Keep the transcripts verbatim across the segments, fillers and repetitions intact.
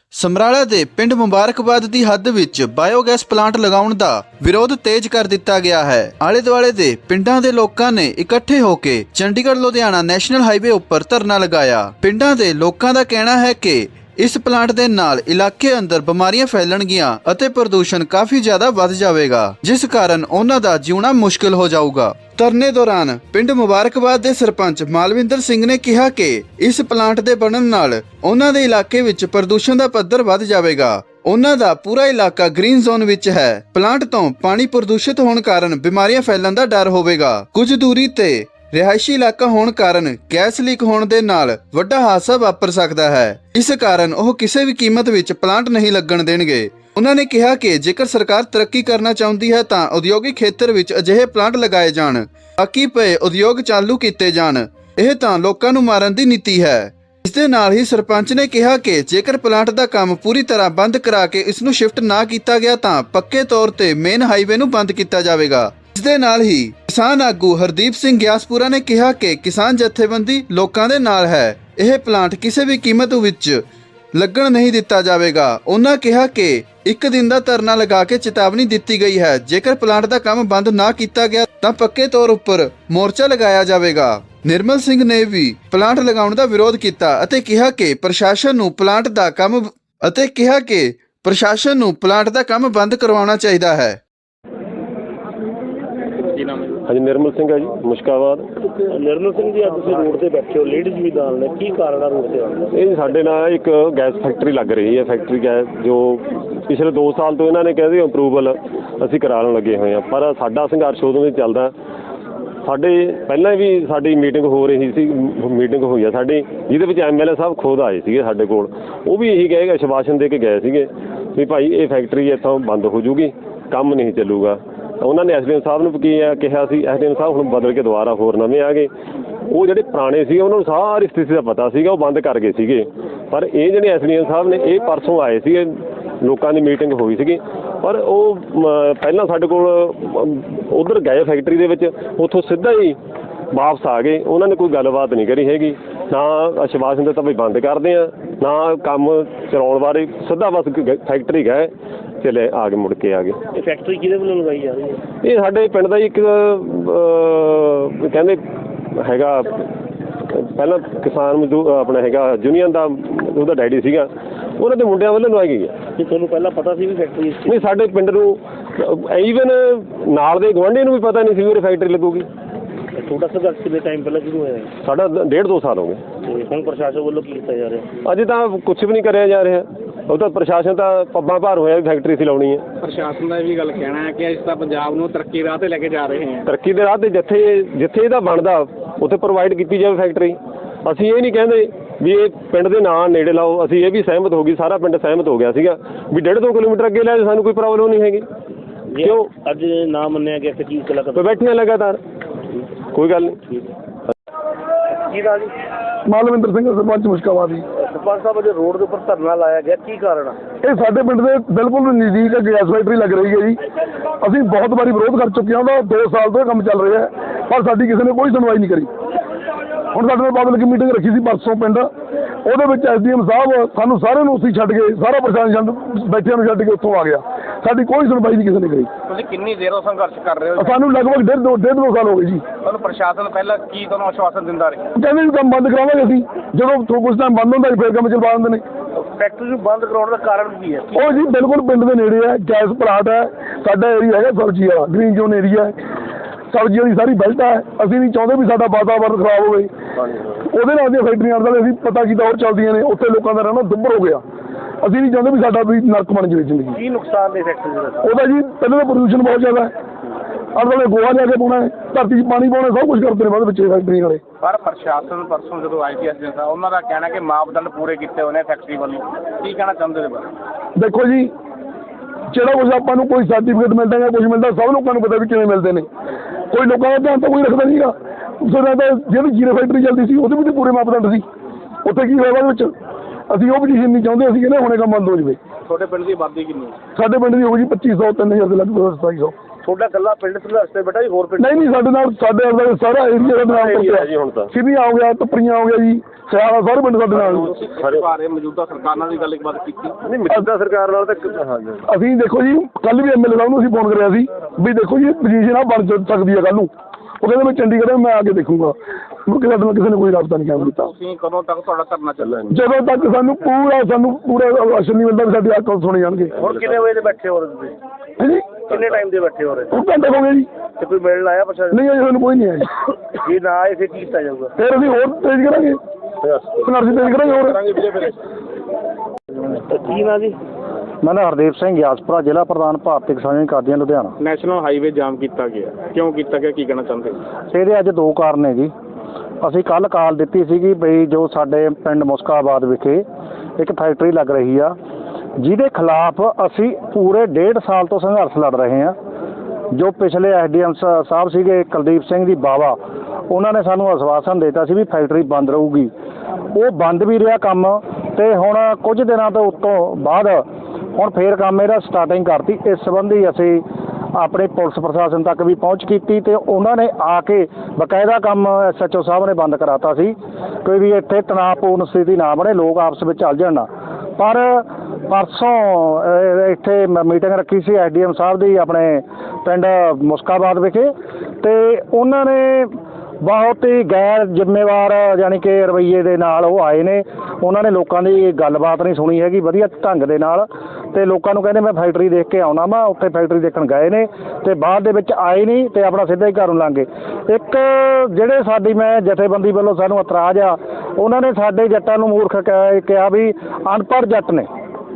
ਸਮਰਾਲਾ ਦੇ ਪਿੰਡ ਮੁਬਾਰਕਬਾਦ ਦੀ ਹੱਦ ਵਿੱਚ ਬਾਇਓਗੈਸ ਪਲਾਂਟ ਲਗਾਉਣ ਦਾ ਵਿਰੋਧ ਤੇਜ਼ ਕਰ ਦਿੱਤਾ ਗਿਆ ਹੈ। ਆਲੇ ਦੁਆਲੇ ਦੇ ਪਿੰਡਾਂ ਦੇ ਲੋਕਾਂ ਨੇ ਇਕੱਠੇ ਹੋ ਕੇ ਚੰਡੀਗੜ੍ਹ ਲੁਧਿਆਣਾ ਨੈਸ਼ਨਲ ਹਾਈਵੇ ਉੱਪਰ ਧਰਨਾ ਲਗਾਇਆ। ਪਿੰਡਾਂ ਦੇ ਲੋਕਾਂ ਦਾ ਕਹਿਣਾ ਹੈ ਕਿ ਇਸ ਪਲਾਂਟ ਦੇ ਨਾਲ ਇਲਾਕੇ ਅੰਦਰ ਬਿਮਾਰੀਆਂ ਫੈਲਣਗੀਆਂ ਅਤੇ ਪ੍ਰਦੂਸ਼ਣ ਕਾਫੀ ਜ਼ਿਆਦਾ ਵੱਧ ਜਾਵੇਗਾ, ਜਿਸ ਕਾਰਨ ਉਹਨਾਂ ਦਾ ਜਿਉਣਾ ਮੁਸ਼ਕਲ ਹੋ ਜਾਊਗਾ। ਧਰਨੇ ਦੌਰਾਨ ਪਿੰਡ ਮੁਬਾਰਕਬਾਦ ਦੇ ਸਰਪੰਚ ਮਾਲਵਿੰਦਰ ਸਿੰਘ ਨੇ ਕਿਹਾ ਕਿ ਇਸ ਪਲਾਂਟ ਦੇ ਬਣਨ ਨਾਲ ਉਹਨਾਂ ਦੇ ਇਲਾਕੇ ਵਿੱਚ ਪ੍ਰਦੂਸ਼ਣ ਦਾ ਪੱਧਰ ਵੱਧ ਜਾਵੇਗਾ। ਉਹਨਾਂ ਦਾ ਪੂਰਾ ਇਲਾਕਾ ਗ੍ਰੀਨ ਜ਼ੋਨ ਵਿੱਚ ਹੈ। ਪਲਾਂਟ ਤੋਂ ਪਾਣੀ ਪ੍ਰਦੂਸ਼ਿਤ ਹੋਣ ਕਾਰਨ ਬਿਮਾਰੀਆਂ ਫੈਲਣ ਦਾ ਡਰ ਹੋਵੇਗਾ। ਕੁਝ ਦੂਰੀ ਤੇ ਰਿਹਾਇਸ਼ੀ ਇਲਾਕਾ ਹੋਣ ਕਾਰਨ ਗੈਸ ਲੀਕ ਹੋਣ ਦੇ ਨਾਲ ਵੱਡਾ ਹਾਦਸਾ ਵਾਪਰ ਸਕਦਾ ਹੈ। ਇਸ ਕਾਰਨ ਉਹ ਕਿਸੇ ਵੀ ਕੀਮਤ ਵਿੱਚ ਪਲਾਂਟ ਨਹੀਂ ਲੱਗਣ ਦੇਣਗੇ। ਉਹਨਾਂ ਨੇ ਕਿਹਾ ਕਿ ਜੇਕਰ ਸਰਕਾਰ ਤਰੱਕੀ ਕਰਨਾ ਚਾਹੁੰਦੀ ਹੈ ਤਾਂ ਉਦਯੋਗਿਕ ਖੇਤਰ ਵਿੱਚ ਅਜਿਹੇ ਪਲਾਂਟ ਲਗਾਏ ਜਾਣ, ਬਾਕੀ ਪਏ ਉਦਯੋਗ ਚਾਲੂ ਕੀਤੇ ਜਾਣ। ਇਹ ਤਾਂ ਲੋਕਾਂ ਨੂੰ ਮਾਰਨ ਦੀ ਨੀਤੀ ਹੈ। ਇਸ ਦੇ ਨਾਲ ਹੀ ਸਰਪੰਚ ਨੇ ਕਿਹਾ ਕਿ ਜੇਕਰ ਪਲਾਂਟ ਦਾ ਕੰਮ ਪੂਰੀ ਤਰ੍ਹਾਂ ਬੰਦ ਕਰਾ ਕੇ ਇਸ ਨੂੰ ਸ਼ਿਫਟ ਨਾ ਕੀਤਾ ਗਿਆ ਤਾਂ ਪੱਕੇ ਤੌਰ ਤੇ ਮੇਨ ਹਾਈਵੇ ਨੂੰ ਬੰਦ ਕੀਤਾ ਜਾਵੇਗਾ। ਇਸ ਦੇ ਨਾਲ ਹੀ ਕਿਸਾਨ ਆਗੂ ਹਰਦੀਪ ਸਿੰਘ ਗਿਆਸਪੁਰਾ ਨੇ ਕਿਹਾ ਕਿ ਕਿਸਾਨ ਜਥੇਬੰਦੀ ਲੋਕਾਂ ਦੇ ਨਾਲ ਹੈ। ਇਹ ਪਲਾਂਟ ਕਿਸੇ ਵੀ ਕੀਮਤ ਵਿੱਚ ਲੱਗਣ ਨਹੀਂ ਦਿੱਤਾ ਜਾਵੇਗਾ। ਉਹਨਾਂ ਕਿਹਾ ਕਿ ਇੱਕ ਦਿਨ ਦਾ ਧਰਨਾ ਲਗਾ ਕੇ ਚੇਤਾਵਨੀ ਦਿੱਤੀ ਗਈ ਹੈ। ਜੇਕਰ ਪਲਾਂਟ ਦਾ ਕੰਮ ਬੰਦ ਨਾ ਕੀਤਾ ਗਿਆ ਤਾਂ ਪੱਕੇ ਤੌਰ ਉੱਪਰ ਮੋਰਚਾ ਲਗਾਇਆ ਜਾਵੇਗਾ। ਨਿਰਮਲ ਸਿੰਘ ਨੇ ਵੀ ਪਲਾਂਟ ਲਗਾਉਣ ਦਾ ਵਿਰੋਧ ਕੀਤਾ ਅਤੇ ਕਿਹਾ ਕਿ ਪ੍ਰਸ਼ਾਸਨ ਨੂੰ ਪਲਾਂਟ ਦਾ ਕੰਮ ਅਤੇ ਕਿਹਾ ਕਿ ਪ੍ਰਸ਼ਾਸਨ ਨੂੰ ਪਲਾਂਟ ਦਾ ਕੰਮ ਬੰਦ ਕਰਵਾਉਣਾ ਚਾਹੀਦਾ ਹੈ। ਹਾਂਜੀ, ਨਿਰਮਲ ਸਿੰਘ ਹੈ ਜੀ, ਮੁਸ਼ਕਾਬਾਦ। ਨਿਰਮਲ ਸਿੰਘ ਜੀ, ਅੱਜ ਤੁਸੀਂ ਰੋਡ ਤੇ ਬੈਠੇ ਹੋ, ਲੇਡੀਜ਼ ਵੀ ਨਾਲ ਨੇ, ਕੀ ਕਾਰਨ ਆ ਰੋਡ ਤੇ ਆਉਣ ਦਾ? ਇਹ ਸਾਡੇ ਨਾਲ ਇੱਕ ਗੈਸ ਫੈਕਟਰੀ ਲੱਗ ਰਹੀ ਹੈ, ਫੈਕਟਰੀ ਗੈਸ, ਜੋ ਪਿਛਲੇ ਦੋ ਸਾਲ ਤੋਂ ਇਹਨਾਂ ਨੇ ਕਹਿੰਦੇ ਅਪਰੂਵਲ ਅਸੀਂ ਕਰਾਉਣ ਲੱਗੇ ਹੋਏ ਹਾਂ, ਪਰ ਸਾਡਾ ਸੰਘਰਸ਼ ਉਦੋਂ ਵੀ ਚੱਲਦਾ। ਸਾਡੇ ਪਹਿਲਾਂ ਵੀ ਸਾਡੀ ਮੀਟਿੰਗ ਹੋ ਰਹੀ ਸੀ, ਮੀਟਿੰਗ ਹੋਈ ਆ ਸਾਡੀ, ਜਿਹਦੇ ਵਿੱਚ ਐਮ ਐਲ ਏ ਸਾਹਿਬ ਖੁਦ ਆਏ ਸੀਗੇ ਸਾਡੇ ਕੋਲ। ਉਹ ਵੀ ਇਹੀ ਕਹੇਗਾ, ਆਸ਼ਵਾਸਨ ਦੇ ਕੇ ਗਏ ਸੀਗੇ ਵੀ ਭਾਈ ਇਹ ਫੈਕਟਰੀ ਇੱਥੋਂ ਬੰਦ ਹੋ ਜੂਗੀ, ਕੰਮ ਨਹੀਂ ਚੱਲੂਗਾ। ਉਹਨਾਂ ਨੇ ਐਸ ਡੀ ਐਮ ਸਾਹਿਬ ਨੂੰ ਕੀ ਕਿਹਾ ਸੀ, ਐਸ ਡੀ ਐਮ ਸਾਹਿਬ ਹੁਣ ਬਦਲ ਕੇ ਦੁਬਾਰਾ ਹੋਰ ਨਵੇਂ ਆ ਗਏ। ਉਹ ਜਿਹੜੇ ਪੁਰਾਣੇ ਸੀਗੇ ਉਹਨਾਂ ਨੂੰ ਸਾਰੀ ਸਥਿਤੀ ਦਾ ਪਤਾ ਸੀਗਾ, ਉਹ ਬੰਦ ਕਰ ਗਏ ਸੀਗੇ। ਪਰ ਇਹ ਜਿਹੜੇ ਐਸ ਡੀ ਐਮ ਸਾਹਿਬ ਨੇ, ਇਹ ਪਰਸੋਂ ਆਏ ਸੀਗੇ, ਲੋਕਾਂ ਦੀ ਮੀਟਿੰਗ ਹੋਈ ਸੀਗੀ, ਪਰ ਉਹ ਪਹਿਲਾਂ ਸਾਡੇ ਕੋਲ ਉੱਧਰ ਗਏ ਫੈਕਟਰੀ ਦੇ ਵਿੱਚ, ਉੱਥੋਂ ਸਿੱਧਾ ਹੀ ਵਾਪਸ ਆ ਗਏ। ਉਹਨਾਂ ਨੇ ਕੋਈ ਗੱਲਬਾਤ ਨਹੀਂ ਕਰੀ ਹੈਗੀ, ਨਾ ਆਸ਼ਵਾਸਨ ਦਿੱਤਾ ਵੀ ਬੰਦ ਕਰਦੇ ਆ, ਨਾ ਕੰਮ ਚਲਾਉਣ ਬਾਰੇ। ਸਿੱਧਾ ਬਸ ਫੈਕਟਰੀ ਗਏ, ਚਲੇ ਆ ਕੇ ਮੁੜ ਕੇ ਆ ਗਏ। ਇਹ ਫੈਕਟਰੀ ਕਿਹਦੇ ਵੱਲੋਂ ਲਗਾਈ ਜਾ ਰਹੀ ਹੈ? ਇਹ ਸਾਡੇ ਪਿੰਡ ਦਾ ਇੱਕ ਕਹਿੰਦੇ ਹੈਗਾ, ਪਹਿਲਾਂ ਕਿਸਾਨ ਮਜ਼ਦੂਰ ਆਪਣਾ ਹੈਗਾ ਯੂਨੀਅਨ ਦਾ, ਉਹਦਾ ਡੈਡੀ ਸੀਗਾ, ਉਹਨਾਂ ਦੇ ਮੁੰਡਿਆਂ ਵੱਲੋਂ ਲਵਾਈ ਗਈ ਹੈ। ਕੀ ਤੁਹਾਨੂੰ ਪਹਿਲਾਂ ਪਤਾ ਸੀ ਵੀ ਫੈਕਟਰੀ? ਨਹੀਂ, ਸਾਡੇ ਪਿੰਡ ਨੂੰ ਈਵਨ ਨਾਲ ਦੇ ਗੁਆਂਢੀ ਨੂੰ ਵੀ ਪਤਾ ਨਹੀਂ ਸੀ ਵੀ ਫੈਕਟਰੀ ਲੱਗੂਗੀ। ਛੋਟਾ ਸੰਘਰਸ਼ ਕਿੰਨੇ ਟਾਈਮ ਪਹਿਲਾਂ ਸ਼ੁਰੂ ਹੋਇਆ? ਸਾਡਾ ਡੇਢ ਦੋ ਸਾਲ ਹੋ ਗਏ। ਤੇ ਹੁਣ ਪ੍ਰਸ਼ਾਸਨ ਵੱਲੋਂ ਕੀ ਕੀਤਾ ਜਾ ਰਿਹਾ? ਅਜੇ ਤਾਂ ਕੁਛ ਵੀ ਨਹੀਂ ਕਰਿਆ ਜਾ ਰਿਹਾ। ਉਹ ਤਾਂ ਪ੍ਰਸ਼ਾਸਨ ਤਾਂ ਪੱਬਾਂ ਭਾਰ ਹੋਇਆ ਵੀ ਫੈਕਟਰੀ ਸੀ ਲਾਉਣੀ ਹੈ। ਪ੍ਰਸ਼ਾਸਨ ਦਾ ਇਹ ਵੀ ਗੱਲ ਕਹਿਣਾ ਹੈ ਕਿ ਅਸੀਂ ਤਾਂ ਪੰਜਾਬ ਨੂੰ ਤਰੱਕੀ ਰਾਹ ਤੇ ਲੈ ਕੇ ਜਾ ਰਹੇ ਹਾਂ। ਤਰੱਕੀ ਦੇ ਰਾਹ ਤੇ ਜਿੱਥੇ ਜਿੱਥੇ ਇਹਦਾ ਬਣਦਾ ਉੱਥੇ ਪ੍ਰੋਵਾਈਡ ਕੀਤੀ ਜਾਵੇ ਫੈਕਟਰੀ। ਅਸੀਂ ਇਹ ਨਹੀਂ ਕਹਿੰਦੇ ਵੀ ਇਹ ਪਿੰਡ ਦੇ ਨਾਂ ਨੇੜੇ ਲਾਓ, ਅਸੀਂ ਇਹ ਵੀ ਸਹਿਮਤ ਹੋ ਗਈ, ਸਾਰਾ ਪਿੰਡ ਸਹਿਮਤ ਹੋ ਗਿਆ ਸੀਗਾ ਵੀ ਡੇਢ ਦੋ ਕਿਲੋਮੀਟਰ ਅੱਗੇ ਲੈ, ਸਾਨੂੰ ਕੋਈ ਪ੍ਰੋਬਲਮ ਨਹੀਂ ਹੈਗੀ। ਕਿਉਂ ਅੱਜ ਨਾ ਮੰਨਿਆ ਗਿਆ? ਕੀ ਕਲਾ ਬੈਠੀਆਂ ਲਗਾਤਾਰ, ਕੋਈ ਗੱਲ ਨਹੀਂ। ਕੀ ਦਾ ਜੀ? ਮਾਲਵਿੰਦਰ ਸਿੰਘ, ਸਰਪੰਚ ਮੁਸ਼ਕਾਬਾਦ ਜੀ। ਸਰਪੰਚ ਸਾਹਿਬ, ਅੱਜ ਰੋਡ ਦੇ ਉੱਪਰ ਧਰਨਾ ਲਾਇਆ ਗਿਆ, ਕੀ ਕਾਰਨ ਆ? ਇਹ ਸਾਡੇ ਪਿੰਡ ਦੇ ਬਿਲਕੁਲ ਨਜ਼ਦੀਕ ਗੈਸ ਫੈਕਟਰੀ ਲੱਗ ਰਹੀ ਹੈ ਜੀ। ਅਸੀਂ ਬਹੁਤ ਵਾਰੀ ਵਿਰੋਧ ਕਰ ਚੁੱਕੇ ਹਾਂ, ਉਹਦਾ ਦੋ ਸਾਲ ਤੋਂ ਕੰਮ ਚੱਲ ਰਿਹਾ ਹੈ, ਪਰ ਸਾਡੀ ਕਿਸੇ ਨੇ ਕੋਈ ਸੁਣਵਾਈ ਨਹੀਂ ਕਰੀ। ਹੁਣ ਸਾਡੇ ਨਾਲ ਪਬਲਿਕ ਮੀਟਿੰਗ ਰੱਖੀ ਸੀ ਪਰਸੋਂ ਪਿੰਡ, ਉਹਦੇ ਵਿੱਚ ਐਸ ਡੀ ਐਮ ਸਾਹਿਬ ਸਾਨੂੰ ਸਾਰਿਆਂ ਨੂੰ ਉੱਥੇ ਛੱਡ ਕੇ, ਸਾਰਾ ਪ੍ਰਸ਼ਾਸਨ ਬੈਠਿਆਂ ਨੂੰ ਛੱਡ ਕੇ ਉੱਥੋਂ ਆ ਗਿਆ। ਸਾਡੀ ਕੋਈ ਸੁਣਵਾਈ ਨਹੀਂ ਕਿਸੇ ਨੇ ਕਰੀ। ਤੁਸੀਂ ਕਿੰਨੀ ਦੇਰੋਂ ਸੰਘਰਸ਼ ਕਰ ਰਹੇ ਹੋ? ਸਾਨੂੰ ਲਗਭਗ ਡੇਢ ਦੋ ਡੇਢ ਦੋ ਸਾਲ ਹੋ ਗਏ ਜੀ। ਤੁਹਾਨੂੰ ਪ੍ਰਸ਼ਾਸਨ ਪਹਿਲਾਂ ਕੀ ਤੁਹਾਨੂੰ ਆਸ਼ਵਾਸਨ ਦਿੰਦਾ ਰਿਹਾ? ਕਹਿੰਦੇ ਵੀ ਕੰਮ ਬੰਦ ਕਰਾਵਾਂਗੇ ਅਸੀਂ, ਜਦੋਂ ਕੁਝ ਟਾਈਮ ਬੰਦ ਹੁੰਦਾ ਫਿਰ ਕੰਮ ਚਲਵਾ ਦਿੰਦੇ ਨੇ। ਫੈਕਟਰੀ ਨੂੰ ਬੰਦ ਕਰਾਉਣ ਦਾ ਕਾਰਨ ਕੀ ਹੈ? ਉਹ ਜੀ ਬਿਲਕੁਲ ਪਿੰਡ ਦੇ ਨੇੜੇ ਹੈ, ਗੈਸ ਪਲਾਂਟ ਹੈ, ਸਾਡਾ ਏਰੀਆ ਹੈਗਾ ਸਬਜ਼ੀ ਵਾਲਾ, ਗ੍ਰੀਨ ਜ਼ੋਨ ਏਰੀਆ ਹੈ, ਸਬਜ਼ੀਆਂ ਦੀ ਸਾਰੀ ਬੈਲਟ ਹੈ। ਅਸੀਂ ਨਹੀਂ ਚਾਹੁੰਦੇ ਵੀ ਸਾਡਾ ਵਾਤਾਵਰਨ ਖਰਾਬ ਹੋਵੇ। ਉਹਦੇ ਨਾਲ ਦੀਆਂ ਫੈਕਟਰੀਆਂ ਨਾਲ ਅਸੀਂ ਪਤਾ ਕੀਤਾ ਹੋਰ ਚੱਲਦੀਆਂ ਨੇ, ਉੱਥੇ ਲੋਕਾਂ ਦਾ ਰਹਿਣਾ ਦੁੱਭਰ ਹੋ ਗਿਆ। ਅਸੀਂ ਨਹੀਂ ਚਾਹੁੰਦੇ ਵੀ ਸਾਡਾ ਵੀ ਨਰਕ ਬਣ ਜਾਵੇ ਜ਼ਿੰਦਗੀ। ਕੀ ਨੁਕਸਾਨ ਨੇ ਫੈਕਟਰੀ ਦਾ? ਉਹਦਾ ਜੀ ਪਹਿਲਾਂ ਤਾਂ ਪ੍ਰਦੂਸ਼ਣ ਬਹੁਤ ਜ਼ਿਆਦਾ ਹੈ, ਆਲੇ ਦੁਆਲੇ ਗੋਹਾ ਲਿਆ ਕੇ ਪਾਉਣਾ ਹੈ, ਧਰਤੀ 'ਚ ਪਾਣੀ ਪਾਉਣਾ, ਸਭ ਕੁਝ ਕਰਦੇ ਨੇ ਬਾਅਦ ਵਿੱਚ ਫੈਕਟਰੀ ਵਾਲੇ। ਪਰ ਪ੍ਰਸ਼ਾਸਨ ਪਰਸੋਂ ਜਦੋਂ ਆਈ ਸੀ ਐਸ ਡੀ ਐਮ ਸਾਹਿਬ, ਉਹਨਾਂ ਦਾ ਕਹਿਣਾ ਕਿ ਮਾਪਦੰਡ ਪੂਰੇ ਕੀਤੇ ਹੋਏ ਨੇ ਫੈਕਟਰੀ ਵੱਲੋਂ। ਕੀ ਕਹਿਣਾ ਚਾਹੁੰਦੇ ਨੇ ਬਾਰੇ? ਦੇਖੋ ਜੀ, ਜਿਹੜਾ ਕੁਝ ਆਪਾਂ ਨੂੰ ਕੋਈ ਸਰਟੀਫਿਕੇਟ ਮਿਲਦਾ ਜਾਂ ਕੁਝ ਮਿਲਦਾ, ਸਭ ਲੋਕਾਂ ਨੂੰ ਪਤਾ ਵੀ ਕਿਵੇਂ ਮਿਲਦੇ ਨੇ। ਕੋਈ ਲੋਕਾਂ ਦਾ ਧਿਆਨ ਤਾਂ ਕੋਈ ਰੱਖਦਾ ਨਹੀਂਗਾ। ਉਸਦਾ ਤਾਂ ਜਿਹੜੀ ਜੀਰੋ ਫੈਕਟਰੀ ਚੱਲਦੀ ਸੀ ਉਹਦੇ ਵੀ ਤਾਂ ਪੂਰੇ ਮਾਪਦੰਡ ਸੀ। ਉੱਥੇ ਕੀ ਹੋਇਆ ਬਾਅਦ ਵਿੱਚ? ਅਸੀਂ ਉਹ ਪੋਜੀਸ਼ਨ ਨਹੀਂ ਚਾਹੁੰਦੇ, ਅਸੀਂ ਕਹਿੰਦੇ ਹੁਣੇ ਕੰਮ ਬੰਦ ਹੋ ਜਾਵੇ। ਤੁਹਾਡੇ ਪਿੰਡ ਦੀ ਆਬਾਦੀ ਕਿੰਨੀ? ਸਾਡੇ ਪਿੰਡ ਦੀ ਹੋ ਗਈ ਪੱਚੀ ਸੌ, ਤਿੰਨ ਹਜ਼ਾਰ ਦੇ ਲਗਭਗ ਸਤਾਈ ਸੌ। ਤੁਹਾਡਾ ਇਕੱਲਾ ਪਿੰਡ ਸੰਘਰਸ਼ ਤੇ ਬੇਟਾ ਜੀ ਹੋਰ ਪਿੰਡ ਨਹੀਂ ਨਹੀਂ ਸਾਡੇ ਨਾਲ ਸਾਡੇ ਨਾਲ ਸਾਰਾ ਏਰੀਆ ਦਾ ਨਾਮ area ਹੈ ਜੀ ਹੁਣ ਤਾਂ। ਸਿੱਧੀਆਂ ਹੋ ਗਿਆ, ਟੱਪਰੀਆਂ ਹੋ ਗਿਆ ਜੀ, ਸਿਆਲਾ ਸਾਰੇ ਪਿੰਡ ਸਾਡੇ ਨਾਲ। ਸਾਰੇ ਬਾਰੇ ਮੌਜੂਦਾ ਸਰਕਾਰ ਨਾਲ ਵੀ ਗੱਲ ਬਾਤ ਕੀਤੀ? ਨਹੀਂ ਮੌਜੂਦਾ ਸਰਕਾਰ ਨਾਲ ਤਾਂ ਹਾਂਜੀ ਅਸੀਂ ਦੇਖੋ ਜੀ ਕੱਲ ਵੀ ਐਮਐਲਏ ਸਾਹਿਬ ਨੂੰ ਅਸੀਂ ਫੋਨ ਕਰਿਆ ਸੀ ਵੀ ਦੇਖੋ ਜੀ ਪੋਜੀਸ਼ਨ ਆ ਬਣ ਸਕਦੀ ਹੈ ਕੱਲ ਨੂੰ। ਉਹ ਕਹਿੰਦੇ ਮੈਂ ਚੰਡੀਗੜ੍ਹ ਮੈਂ ਆ ਕੇ ਦੇਖੂੰਗਾ। ਮੁੜ ਸਾਡੇ ਨਾਲ ਕਿਸੇ ਨੇ ਕੋਈ ਰਾਬਤਾ ਨਹੀਂ ਕਾਇਮ ਕੀਤਾ। ਤੁਸੀਂ ਕਦੋਂ ਤੱਕ ਤੁਹਾਡਾ ਧਰਨਾ ਚੱਲੇਗਾ? ਜਦੋਂ ਤੱਕ ਸਾਨੂੰ ਪੂਰਾ ਸਾਨੂੰ ਪੂਰਾ ਰਾਸ਼ਨ ਨਹੀਂ ਮਿਲਦਾ ਵੀ ਸਾਡੀ ਆਕਲ ਸੁਣੇ ਜਾਣਗੇ। ਹੁਣ ਕਿੰਨੇ ਵਜੇ ਦੇ ਬੈਠੇ ਹੋ ਰਹੇ ਤੁਸੀਂ? ਹਾਂਜੀ ਕਿੰਨੇ ਟਾਈਮ ਦੇ ਬੈਠੇ ਹੋ ਰਹੇ? ਹੁਣ ਘੰਟੇ ਹੋ ਗਏ ਜੀ। ਤੇ ਕੋਈ ਮਿਲਣ ਆਇਆ ਪ੍ਰਸ਼ਾਸਨ? ਨਹੀਂ ਅਜੇ ਸਾਨੂੰ ਕੋਈ ਨਹੀਂ ਆਇਆ। ਜੇ ਨਾ ਆਏ ਫਿਰ ਕੀ ਕੀਤਾ ਜਾਊਗਾ? ਫਿਰ ਅਸੀਂ ਹੋਰ ਤੇਜ਼ ਕਰਾਂਗੇ, ਸੰਘਰਸ਼ ਤੇਜ਼ ਕਰਾਂਗੇ ਹੋਰ। ਕੀ ਨਾ ਜੀ? ਮੈਂ ਨਾ ਹਰਦੀਪ ਸਿੰਘ ਗਿਆਸਪੁਰਾ, ਜ਼ਿਲ੍ਹਾ ਪ੍ਰਧਾਨ ਭਾਰਤੀ ਕਿਸਾਨ ਕਾਦੀਆਂ ਲੁਧਿਆਣਾ। ਨੈਸ਼ਨਲ ਹਾਈਵੇ ਜਾਮ ਕੀਤਾ ਗਿਆ, ਕਿਉਂ ਕੀਤਾ ਗਿਆ, ਕੀ ਕਹਿਣਾ ਚਾਹੁੰਦੇ? ਇਹਦੇ ਅੱਜ ਦੋ ਕਾਰਨ ਨੇ ਜੀ। ਅਸੀਂ ਕੱਲ੍ਹ ਕਾਲ ਦਿੱਤੀ ਸੀਗੀ ਬਈ ਜੋ ਸਾਡੇ ਪਿੰਡ ਮੁਸਕਾਬਾਦ ਵਿਖੇ ਇੱਕ ਫੈਕਟਰੀ ਲੱਗ ਰਹੀ ਆ, ਜਿਹਦੇ ਖਿਲਾਫ ਅਸੀਂ ਪੂਰੇ ਡੇਢ ਸਾਲ ਤੋਂ ਸੰਘਰਸ਼ ਲੜ ਰਹੇ ਹਾਂ। ਜੋ ਪਿਛਲੇ ਐਸ ਡੀ ਐਮ ਸਾਹਿਬ ਸੀਗੇ ਕੁਲਦੀਪ ਸਿੰਘ ਦੀ ਬਾਵਾ, ਉਹਨਾਂ ਨੇ ਸਾਨੂੰ ਆਸ਼ਵਾਸਨ ਦਿੱਤਾ ਸੀ ਵੀ ਫੈਕਟਰੀ ਬੰਦ ਰਹੂਗੀ। ਉਹ ਬੰਦ ਵੀ ਰਿਹਾ ਕੰਮ, ਅਤੇ ਹੁਣ ਕੁਝ ਦਿਨਾਂ ਤੋਂ ਉੱਤੋਂ ਬਾਅਦ ਹੁਣ ਫੇਰ ਕੰਮ ਇਹਦਾ ਸਟਾਰਟਿੰਗ ਕਰਤੀ। ਇਸ ਸੰਬੰਧੀ ਅਸੀਂ ਆਪਣੇ ਪੁਲਿਸ ਪ੍ਰਸ਼ਾਸਨ ਤੱਕ ਵੀ ਪਹੁੰਚ ਕੀਤੀ ਅਤੇ ਉਹਨਾਂ ਨੇ ਆ ਕੇ ਬਕਾਇਦਾ ਕੰਮ ਐਸ ਐਚ ਓ ਸਾਹਿਬ ਨੇ ਬੰਦ ਕਰਾਤਾ ਸੀ ਕੋਈ ਵੀ ਇੱਥੇ ਤਣਾਅਪੂਰਨ ਸਥਿਤੀ ਨਾ ਬਣੇ, ਲੋਕ ਆਪਸ ਵਿੱਚ ਚੱਲ ਜਾਣ। ਪਰ ਪਰਸੋਂ ਇੱਥੇ ਮੀਟਿੰਗ ਰੱਖੀ ਸੀ ਐਸ ਡੀ ਐਮ ਸਾਹਿਬ ਦੀ ਆਪਣੇ ਪਿੰਡ ਮੁਸਕਾਬਾਦ ਵਿਖੇ, ਅਤੇ ਉਹਨਾਂ ਨੇ ਬਹੁਤ ਹੀ ਗੈਰ ਜ਼ਿੰਮੇਵਾਰ ਯਾਨੀ ਕਿ ਰਵੱਈਏ ਦੇ ਨਾਲ ਉਹ ਆਏ ਨੇ। ਉਹਨਾਂ ਨੇ ਲੋਕਾਂ ਦੀ ਗੱਲਬਾਤ ਨਹੀਂ ਸੁਣੀ ਹੈਗੀ ਵਧੀਆ ਢੰਗ ਦੇ ਨਾਲ, ਅਤੇ ਲੋਕਾਂ ਨੂੰ ਕਹਿੰਦੇ ਮੈਂ ਫੈਕਟਰੀ ਦੇਖ ਕੇ ਆਉਣਾ ਵਾ। ਉੱਥੇ ਫੈਕਟਰੀ ਦੇਖਣ ਗਏ ਨੇ ਅਤੇ ਬਾਅਦ ਦੇ ਵਿੱਚ ਆਏ ਨਹੀਂ ਅਤੇ ਆਪਣਾ ਸਿੱਧਾ ਹੀ ਘਰ ਨੂੰ ਲੰਘ ਗਏ। ਇੱਕ ਜਿਹੜੇ ਸਾਡੀ ਮੈਂ ਜਥੇਬੰਦੀ ਵੱਲੋਂ ਸਾਨੂੰ ਇਤਰਾਜ਼ ਆ, ਉਹਨਾਂ ਨੇ ਸਾਡੇ ਜੱਟਾਂ ਨੂੰ ਮੂਰਖ ਕਹਿ ਕਿਹਾ ਵੀ ਅਨਪੜ੍ਹ ਜੱਟ ਨੇ।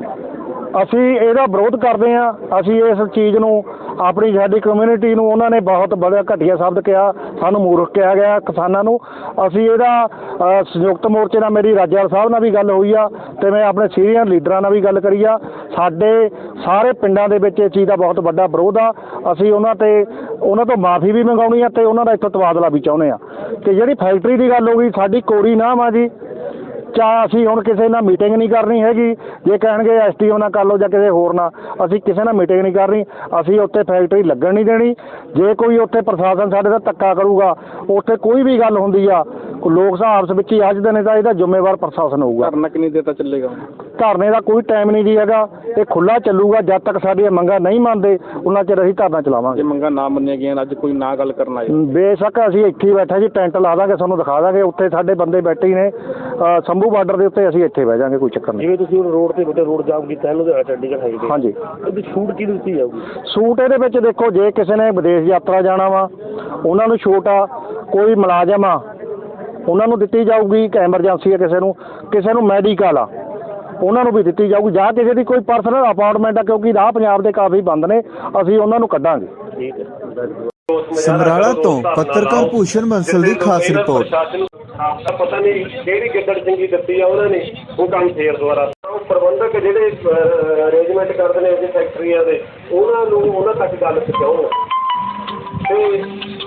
ਅਸੀਂ ਇਹਦਾ ਵਿਰੋਧ ਕਰਦੇ ਹਾਂ। ਅਸੀਂ ਇਸ ਚੀਜ਼ ਨੂੰ ਆਪਣੀ ਸਾਡੀ ਕਮਿਊਨਿਟੀ ਨੂੰ ਉਹਨਾਂ ਨੇ ਬਹੁਤ ਬੜਾ ਘਟੀਆ ਸ਼ਬਦ ਕਿਹਾ, ਸਾਨੂੰ ਮੂਰਖ ਕਿਹਾ ਗਿਆ ਕਿਸਾਨਾਂ ਨੂੰ। ਅਸੀਂ ਇਹਦਾ ਸੰਯੁਕਤ ਮੋਰਚੇ ਨਾਲ ਮੇਰੀ ਰਾਜੇਵਾਲ ਸਾਹਿਬ ਨਾਲ ਵੀ ਗੱਲ ਹੋਈ ਆ ਅਤੇ ਮੈਂ ਆਪਣੇ ਸੀਨੀਅਰ ਲੀਡਰਾਂ ਨਾਲ ਵੀ ਗੱਲ ਕਰੀ ਆ। ਸਾਡੇ ਸਾਰੇ ਪਿੰਡਾਂ ਦੇ ਵਿੱਚ ਇਸ ਚੀਜ਼ ਦਾ ਬਹੁਤ ਵੱਡਾ ਵਿਰੋਧ ਆ। ਅਸੀਂ ਉਹਨਾਂ 'ਤੇ ਉਹਨਾਂ ਤੋਂ ਮਾਫੀ ਵੀ ਮੰਗਾਉਣੀ ਆ ਅਤੇ ਉਹਨਾਂ ਦਾ ਇੱਥੋਂ ਤਬਾਦਲਾ ਵੀ ਚਾਹੁੰਦੇ ਹਾਂ। ਅਤੇ ਜਿਹੜੀ ਫੈਕਟਰੀ ਦੀ ਗੱਲ ਹੋ ਗਈ, ਸਾਡੀ ਕੋਰੀ ਨਾਮ ਆ ਜੀ। ਚਾਹ ਅਸੀਂ ਹੁਣ ਕਿਸੇ ਨਾਲ ਮੀਟਿੰਗ ਨਹੀਂ ਕਰਨੀ ਹੈਗੀ। ਜੇ ਕਹਿਣਗੇ ਐਸ ਟੀ ਓ ਨਾਲ ਕਰ ਲਓ ਜਾਂ ਕਿਸੇ ਹੋਰ ਨਾਲ, ਅਸੀਂ ਕਿਸੇ ਨਾਲ ਮੀਟਿੰਗ ਨਹੀਂ ਕਰਨੀ। ਅਸੀਂ ਉੱਥੇ ਫੈਕਟਰੀ ਲੱਗਣ ਨਹੀਂ ਦੇਣੀ। ਜੇ ਕੋਈ ਉੱਥੇ ਪ੍ਰਸ਼ਾਸਨ ਸਾਡੇ ਦਾ ਧੱਕਾ ਕਰੂਗਾ, ਉੱਥੇ ਕੋਈ ਵੀ ਗੱਲ ਹੁੰਦੀ ਆ, ਲੋਕ ਸਭਾ ਆਪਸ ਵਿੱਚ ਹੀ ਅੱਜਦੇ ਨੇ ਤਾਂ ਇਹਦਾ ਜ਼ਿੰਮੇਵਾਰ ਪ੍ਰਸ਼ਾਸਨ ਹੋਊਗਾ। ਧਰਨਾ ਕਿੰਨੀ ਦੇਰ ਤੱਕ ਚੱਲੇਗਾ? ਧਰਨੇ ਦਾ ਕੋਈ ਟਾਈਮ ਨਹੀਂ ਜੀ ਹੈਗਾ, ਇਹ ਖੁੱਲ੍ਹਾ ਚੱਲੂਗਾ। ਜਦ ਤੱਕ ਸਾਡੀਆਂ ਮੰਗਾਂ ਨਹੀਂ ਮੰਨਦੇ ਉਹਨਾਂ ਚਿਰ ਅਸੀਂ ਧਰਨਾ ਚਲਾਵਾਂਗੇ। ਜੇ ਮੰਗਾਂ ਨਾ ਮੰਨੀਆਂ ਗਈਆਂ, ਅੱਜ ਕੋਈ ਨਾ ਗੱਲ ਕਰਨ ਆਏ? ਬੇਸ਼ੱਕ ਅਸੀਂ ਇੱਥੇ ਹੀ ਬੈਠੇ ਜੀ, ਟੈਂਟ ਲਾ ਦਾਂਗੇ, ਤੁਹਾਨੂੰ ਦਿਖਾ ਦਾਂਗੇ। ਉੱਥੇ ਸਾਡੇ ਬੰਦੇ ਬੈਠੇ ਹੀ ਨੇ ਸੰਭੂ ਬਾਰਡਰ ਦੇ ਉੱਤੇ, ਅਸੀਂ ਇੱਥੇ ਬਹਿ ਜਾਵਾਂਗੇ, ਕੋਈ ਚੱਕਰ ਨਹੀਂ। ਜਿਵੇਂ ਤੁਸੀਂ ਹੁਣ ਰੋਡ ਤੇ ਬੇਟੇ ਰੋਡ ਜਾਮ ਕੀਤਾ ਲੁਧਿਆਣਾ ਚੰਡੀਗੜ੍ਹ ਹਾਈਵੇ, ਹਾਂਜੀ, ਇਹਦੀ ਛੂਟ ਕੀ ਦਿੱਤੀ ਜਾਊਗੀ? ਛੂਟ ਇਹਦੇ ਵਿੱਚ ਦੇਖੋ, ਜੇ ਕਿਸੇ ਨੇ ਵਿਦੇਸ਼ ਯਾਤਰਾ ਜਾਣਾ ਵਾ ਉਹਨਾਂ ਨੂੰ ਛੂਟ ਆ। ਕੋਈ ਮੁਲਾਜ਼ਮ ਆ ਉਹਨਾਂ ਨੂੰ ਦਿੱਤੀ ਜਾਊਗੀ, ਕਿ ਐਮਰਜੈਂਸੀ ਆ ਕਿਸੇ ਨੂੰ, ਕਿਸੇ ਨੂੰ ਮੈਡੀਕਲ ਆ ਉਹਨਾਂ ਨੂੰ ਵੀ ਦਿੱਤੀ ਜਾਊਗੀ, ਜਾਂ ਕਿਸੇ ਦੀ ਕੋਈ ਪਰਸਨਲ ਅਪਾਰਟਮੈਂਟ ਆ, ਕਿਉਂਕਿ ਰਾਹ ਪੰਜਾਬ ਦੇ ਕਾਫੀ ਬੰਦ ਨੇ, ਅਸੀਂ ਉਹਨਾਂ ਨੂੰ ਕੱਢਾਂਗੇ। ਠੀਕ ਹੈ। ਸਮਰਾਲਾ ਤੋਂ ਪੱਤਰਕਾਰ ਭੂਸ਼ਣ ਬੰਸਲ ਦੀ ਖਾਸ ਰਿਪੋਰਟ। ਪਤਾ ਨਹੀਂ ਕਿਹੜੀ ਗਿੱਦੜ ਚੰਗੀ ਦਿੱਤੀ ਆ ਉਹਨਾਂ ਨੇ, ਉਹ ਕੰਮ ਫੇਰ ਦੁਬਾਰਾ ਪ੍ਰਬੰਧਕ ਜਿਹੜੇ ਅਰੇਂਜਮੈਂਟ ਕਰਦੇ ਨੇ ਫੈਕਟਰੀਆਂ ਦੇ, ਉਹਨਾਂ ਨੂੰ ਉਹਨਾਂ ਤੱਕ ਗੱਲ ਪਹੁੰਚਾਉਣ ਤੇ